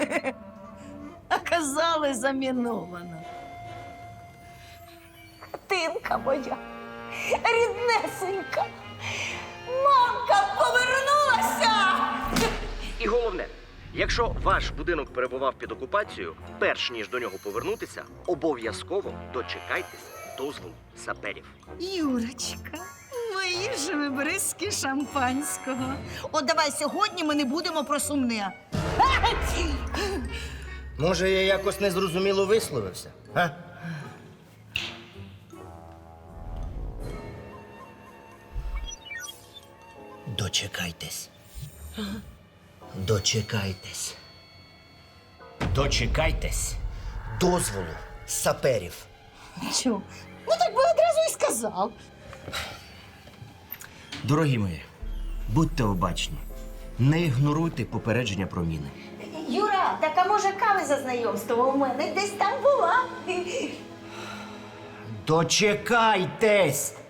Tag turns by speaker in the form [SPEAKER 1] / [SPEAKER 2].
[SPEAKER 1] А казали, заміновано. Тинка моя, ріднесенька, мамка повернулася!
[SPEAKER 2] І головне, якщо ваш будинок перебував під окупацією, перш ніж до нього повернутися, обов'язково дочекайтесь дозволу саперів.
[SPEAKER 1] Юрочка, мої ж ви бризки шампанського. От давай сьогодні ми не будемо про сумне.
[SPEAKER 3] Може, я якось незрозуміло висловився? А? Дочекайтесь. Дочекайтесь. Дочекайтесь дозволу саперів.
[SPEAKER 1] Чого? Ну так би одразу і сказав.
[SPEAKER 3] Дорогі мої, будьте обачні. Не ігноруйте попередження про міни.
[SPEAKER 1] Юра, так а може кави за знайомство у мене десь там була.
[SPEAKER 3] Дочекайтесь!